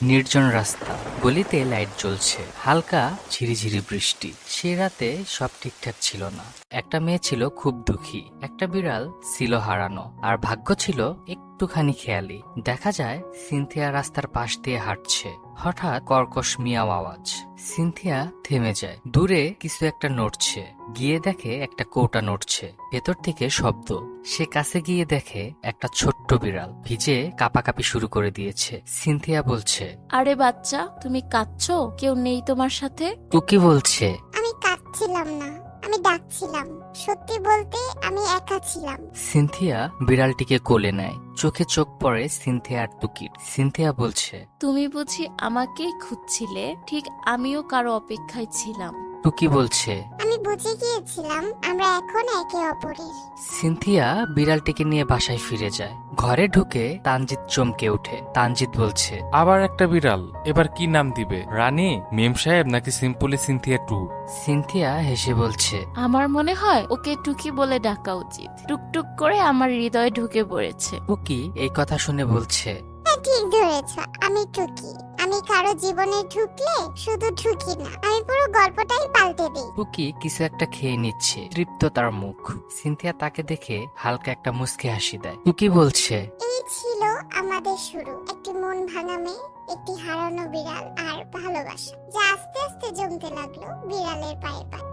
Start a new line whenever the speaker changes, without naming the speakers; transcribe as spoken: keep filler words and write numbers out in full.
নির্জন রাস্তা, গলিতে লাইট জ্বলছে, হালকা ঝিরিঝিরি বৃষ্টি। সে রাতে সব ঠিকঠাক ছিল না। একটা মেয়ে ছিল খুব দুঃখী, একটা বিড়াল ছিল হারানো, আর ভাগ্য ছিল একটুখানি খেয়ালি। দেখা যায় সিনথিয়া রাস্তার পাশ দিয়ে হাঁটছে। হঠাৎ কর্কশ মিয়াও আওয়াজ। সিনথিয়া থেমে যায়। দূরে কিছু একটা নড়ছে। গিয়ে দেখে একটা কৌটা নড়ছে, ভেতর থেকে শব্দ। সে কাছে গিয়ে দেখে একটা ছোট্ট বিড়াল ভিজে কাঁপাকাঁপি শুরু করে দিয়েছে। সিনথিয়া বলছে,
আরে বাচ্চা, তুমি কাঁদছো? কেউ নেই তোমার সাথে?
টুকি বলছে,
আমি কাঁদছিলাম না, আমি ডাকছিলাম। সত্যি বলতে আমি একা ছিলাম।
সিনথিয়া বিড়ালটিকে কোলে নেয়। চোখে চোখ পড়ে সিনথিয়া আর টুকির। সিনথিয়া বলছে,
তুমি বুঝি আমাকেই খুঁজছিলে? ঠিক আমিও কারো অপেক্ষায় ছিলাম।
টুকি বলছে।
আমি বুঝে গিয়েছিলাম আমরা এখন একে অপরের।
সিনথিয়া বিড়ালটিকে নিয়ে বাসায় ফিরে যায়। ঘরে ঢুকে তানজিৎ চমকে ওঠে। তানজিৎ বলছে,
আবার একটা বিড়াল। এবার কি নাম দিবে? রানী, মেম সাহেব, নাকি সিম্পলি সিনথিয়া টু?
সিনথিয়া হেসে বলছে,
আমার মনে হয় ওকে টুকি বলে ডাকা উচিত। টুকটুক করে আমার হৃদয়ে ঢুকে পড়েছে।
টুকি এই কথা শুনে বলছে,
হ্যাঁ, ঠিক ধরেছ, আমি টুকি। আমি কারো জীবনে ঢুকলে শুধু ঢুকি না, আমি পুরো গল্পটাই পাল্টে দিই।
টুকি কিছু একটা খেয়ে নিচ্ছে, তৃপ্ত তার মুখ। সিনথিয়া তাকে দেখে হালকা একটা মুচকি হাসি দেয়। টুকি বলছে,
এই ছিল আমাদের শুরু, একটি মন ভাঙা মেয়ে, একটি হারানো বিড়াল আর ভালোবাসা, যা আস্তে আস্তে জমতে লাগলো বিড়ালের পায়ে পায়ে।